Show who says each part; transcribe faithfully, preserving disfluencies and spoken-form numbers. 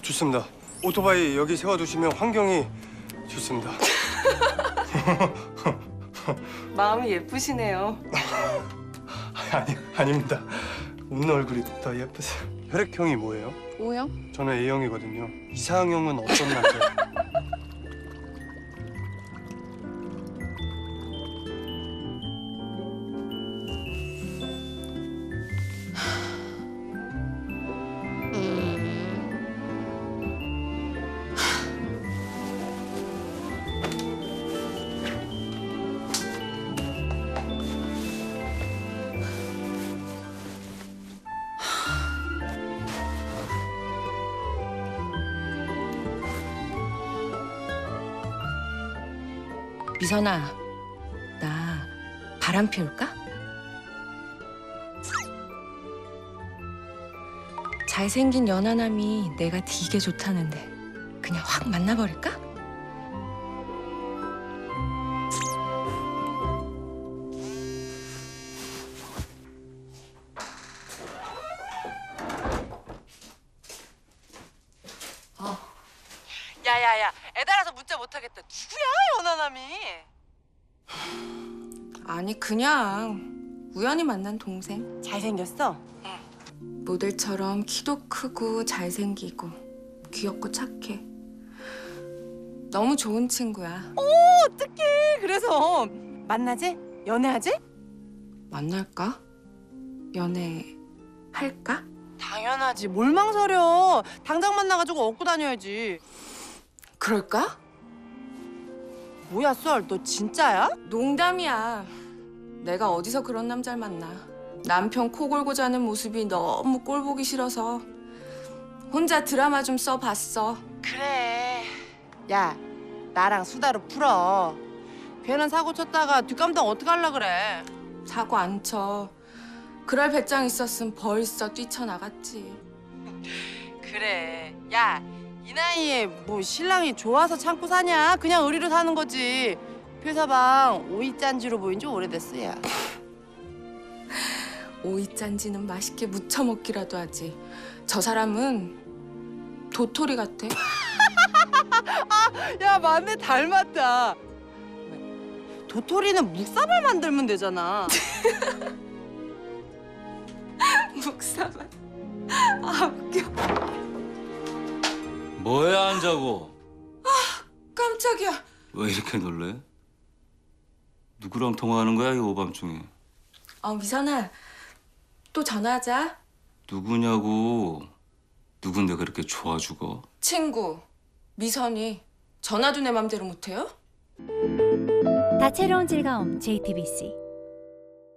Speaker 1: 좋습니다. 오토바이 여기 세워두시면 환경이 좋습니다.
Speaker 2: 마음이 예쁘시네요.
Speaker 1: 아니, 아닙니다. 웃는 얼굴이 더 예쁘세요. 혈액형이 뭐예요?
Speaker 2: O형?
Speaker 1: 저는 A형이거든요. 이상형은 어떤 남자예요?
Speaker 2: 미선아, 나 바람 피울까? 잘생긴 연하남이 내가 되게 좋다는데 그냥 확 만나버릴까?
Speaker 3: 야야야, 애달아서 문자 못하겠다. 누구야, 연하남이?
Speaker 2: 아니 그냥 우연히 만난 동생.
Speaker 3: 잘생겼어?
Speaker 2: 모델처럼 키도 크고 잘생기고 귀엽고 착해. 너무 좋은 친구야.
Speaker 3: 어떡해. 그래서 만나지? 연애하지?
Speaker 2: 만날까? 연애 할까?
Speaker 3: 당연하지. 뭘 망설여. 당장 만나가지고 업고 다녀야지.
Speaker 2: 그럴까?
Speaker 3: 뭐야, 썰. 너 진짜야?
Speaker 2: 농담이야. 내가 어디서 그런 남자를 만나. 남편 코 골고 자는 모습이 너무 꼴 보기 싫어서 혼자 드라마 좀 써봤어.
Speaker 3: 그래. 야, 나랑 수다로 풀어. 괜한 사고 쳤다가 뒷감당 어떡하려 그래.
Speaker 2: 사고 안 쳐. 그럴 배짱 있었으면 벌써 뛰쳐나갔지.
Speaker 3: 그래. 야, 이 나이에 뭐 신랑이 좋아서 참고 사냐? 그냥 의리로 사는 거지. 회사방 오이짠지로 보인 지 오래됐어, 야.
Speaker 2: 오이짠지는 맛있게 무쳐 먹기라도 하지. 저 사람은 도토리 같아.
Speaker 3: 야, 맞네. 닮았다. 도토리는 묵사발 만들면 되잖아.
Speaker 2: 묵사발. 아 웃겨.
Speaker 4: 뭐야 안 자고?
Speaker 2: 깜짝이야.
Speaker 4: 왜 이렇게 놀래? 누구랑 통화하는 거야 이 오밤중에?
Speaker 2: 어 미선아, 또 전화하자.
Speaker 4: 누구냐고? 누군데 그렇게 좋아 죽어?
Speaker 2: 친구 미선이. 전화도 내 맘대로 못해요?
Speaker 5: 다채로운 즐거움 제이티비씨